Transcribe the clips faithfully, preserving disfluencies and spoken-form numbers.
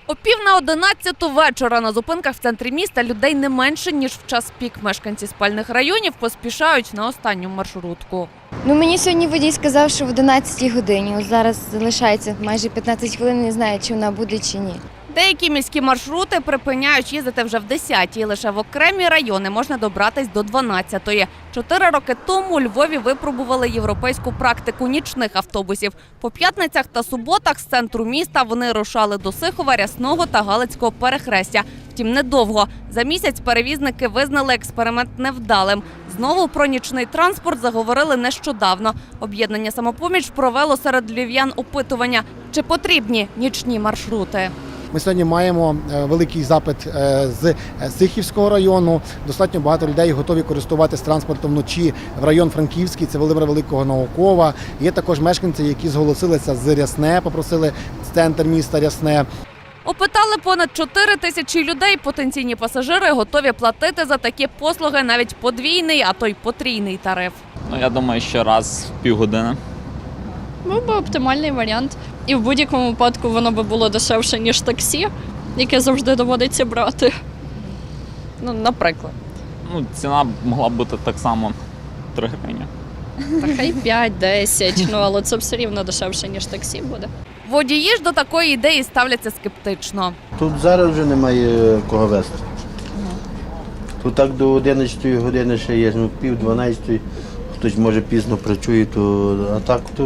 О пів на одинадцяту вечора на зупинках в центрі міста людей не менше, ніж в час пік. Мешканці спальних районів поспішають на останню маршрутку. Ну, мені сьогодні водій сказав, що в одинадцятій годині. Ось зараз залишається майже п'ятнадцять хвилин, не знаю, чи вона буде, чи ні. Деякі міські маршрути припиняють їздити вже в десятій. Лише в окремі райони можна добратись до дванадцятої. Чотири роки тому у Львові випробували європейську практику нічних автобусів. По п'ятницях та суботах з центру міста вони рушали до Сихова, Рясного та Галицького перехрестя. Втім, недовго. За місяць перевізники визнали експеримент невдалим. Знову про нічний транспорт заговорили нещодавно. Об'єднання «Самопоміч» провело серед львів'ян опитування, чи потрібні нічні маршрути. Ми сьогодні маємо великий запит з Сихівського району. Достатньо багато людей готові користуватися транспортом вночі в район Франківський, це Володимира Великого Наукова. Є також мешканці, які зголосилися з Рясне, попросили центр міста Рясне. Опитали понад чотири тисячі людей. Потенційні пасажири готові платити за такі послуги навіть подвійний, а то й потрійний тариф. Ну, я думаю, що раз в півгодини. Був би оптимальний варіант. І в будь-якому випадку воно би було дешевше, ніж таксі, яке завжди доводиться брати. Ну, наприклад. Ну, ціна могла б бути так само три гривні. Та хай п'ять-десять, ну, але це все рівно дешевше, ніж таксі буде. Водії ж до такої ідеї ставляться скептично. Тут зараз вже немає кого вести. Тут так до одинадцятої години ще є, ну пів дванадцятої, хтось може пізно працює, то, а так то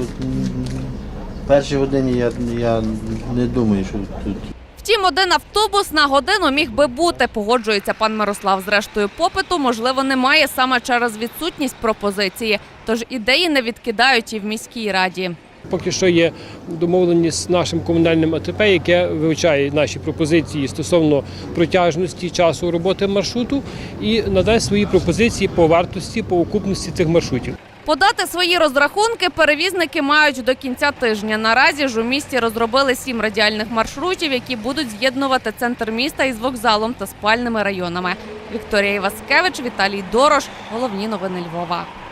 в першій годині я, я не думаю, що тут. Втім, один автобус на годину міг би бути, погоджується пан Мирослав. Зрештою, попиту, можливо, немає саме через відсутність пропозиції. Тож ідеї не відкидають і в міській раді. Поки що є домовленість з нашим комунальним А Т П, яке вивчає наші пропозиції стосовно протяжності часу роботи маршруту і надасть свої пропозиції по вартості, по окупності цих маршрутів. Подати свої розрахунки перевізники мають до кінця тижня. Наразі ж у місті розробили сім радіальних маршрутів, які будуть з'єднувати центр міста із вокзалом та спальними районами. Вікторія Іваскевич, Віталій Дорош. Головні новини Львова.